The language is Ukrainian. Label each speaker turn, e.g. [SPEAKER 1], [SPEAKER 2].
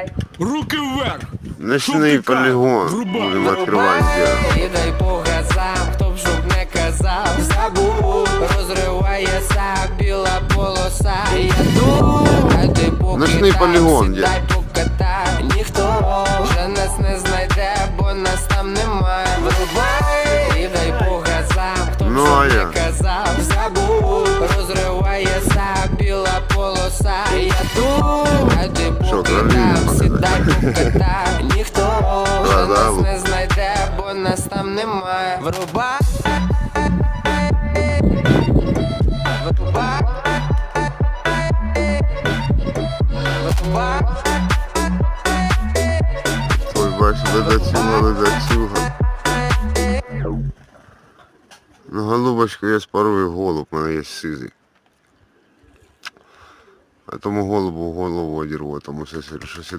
[SPEAKER 1] Руки вверх!
[SPEAKER 2] Ночний полігон. Будемо відкривати дело.
[SPEAKER 3] І дай по газам, хто б щоб не казав, забув, розривається біла полоса. Я тут, а ти поки
[SPEAKER 2] Ночний
[SPEAKER 3] там,
[SPEAKER 2] полігон,
[SPEAKER 3] сідай покатай. Ніхто вже нас не знайде, бо нас там немає. Врубай, і дай по газам, хто б
[SPEAKER 2] Ну,
[SPEAKER 3] щоб
[SPEAKER 2] а
[SPEAKER 3] не
[SPEAKER 2] я?
[SPEAKER 3] казав, забув, розривається біла полоса. Я тут, а ти
[SPEAKER 2] Що,
[SPEAKER 3] поки
[SPEAKER 2] правильно
[SPEAKER 3] там,
[SPEAKER 2] показати?
[SPEAKER 3] сідай покатай. Ніхто вже нас
[SPEAKER 2] Да-да.
[SPEAKER 3] не знайде, бо нас там немає. Врубай. Врубай. Врубай.
[SPEAKER 2] Ой, бачу, ледацюга. Ну, голубочку я спарую голуб, у мене є сизий. А тому голубу голову одірву, тому що